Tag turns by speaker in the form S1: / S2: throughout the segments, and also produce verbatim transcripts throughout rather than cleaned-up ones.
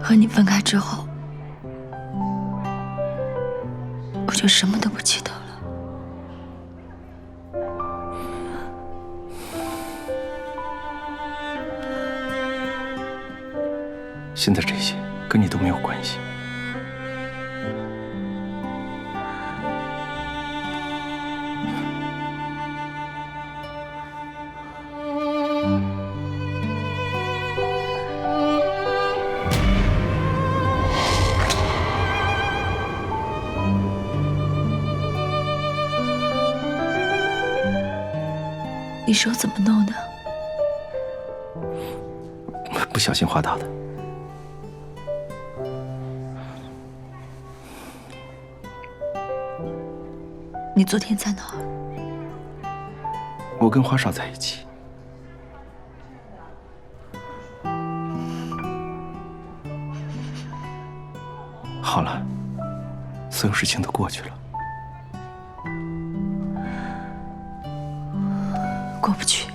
S1: 和你分开之后，我就什么都不记得了。
S2: 现在这些跟你都没有关系。
S1: 你手怎么弄的？
S2: 不小心滑倒的。
S1: 你昨天在哪儿？
S2: 我跟花少在一起。好了，所有事情都过去了。
S1: 过不去。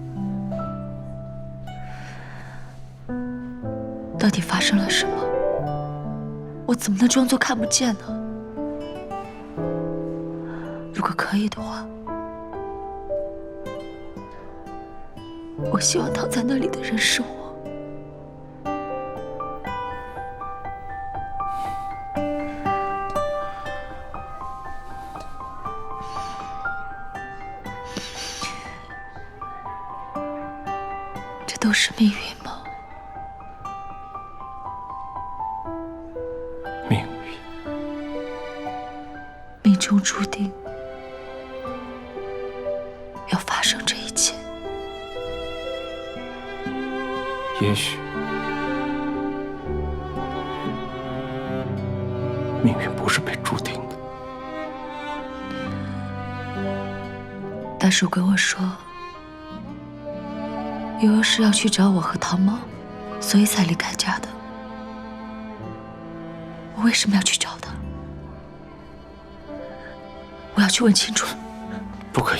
S1: 到底发生了什么？我怎么能装作看不见呢？如果可以的话，我希望躺在那里的人是我。这都是命运吗？
S2: 命运，
S1: 命中注定要发生这一切。
S2: 也许命运不是被注定的。
S1: 大叔跟我说，悠悠是要去找我和唐茂，所以才离开家的。我为什么要去找他？我要去问清楚。
S2: 不可以。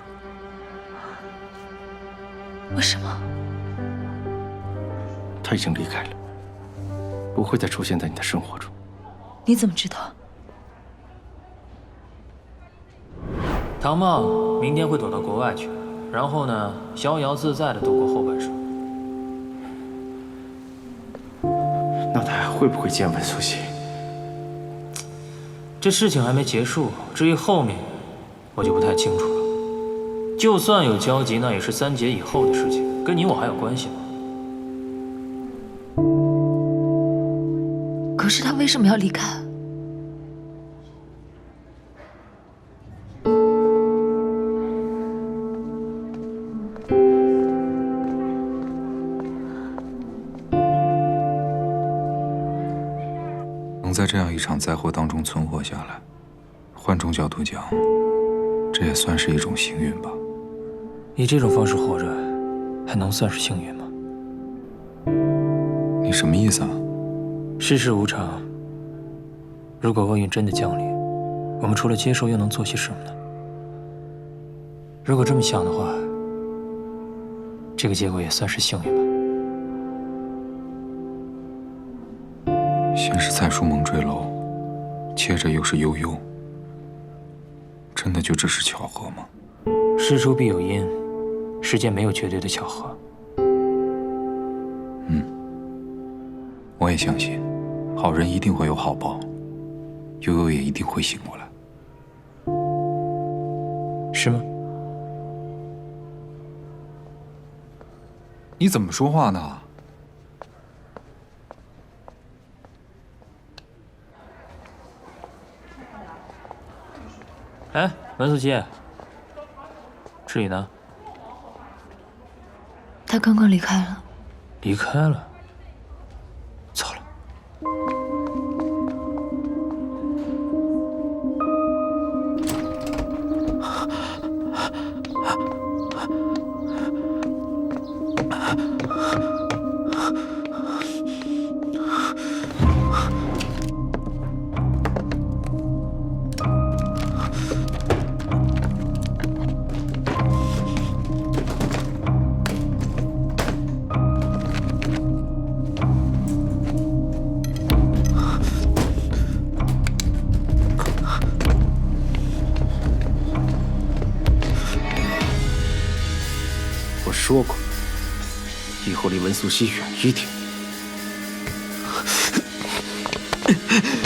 S1: 为什么？
S2: 他已经离开了，不会再出现在你的生活中。
S1: 你怎么知道？
S3: 唐茂明天会躲到国外去，然后呢，逍遥自在的度过后半生。
S2: 那他还会不会见闻苏西？
S3: 这事情还没结束，至于后面，我就不太清楚了。就算有交集，那也是三劫以后的事情，跟你我还有关系吗？
S1: 可是他为什么要离开？
S4: 能在这样一场灾祸当中存活下来，换种角度讲，这也算是一种幸运吧。
S3: 以这种方式活着，还能算是幸运吗？
S4: 你什么意思啊？
S3: 世事无常，如果厄运真的降临，我们除了接受又能做些什么呢？如果这么想的话，这个结果也算是幸运吧。
S4: 先是蔡书萌坠楼，接着又是悠悠，真的就只是巧合吗？
S3: 事出必有因，世间没有绝对的巧合。
S4: 嗯，我也相信，好人一定会有好报，悠悠也一定会醒过来。
S3: 是吗？
S4: 你怎么说话呢？
S3: 哎，文素琪，志宇呢？
S1: 他刚刚离开了。
S3: 离开了。走了。
S2: 说过，以后离文素溪远一点。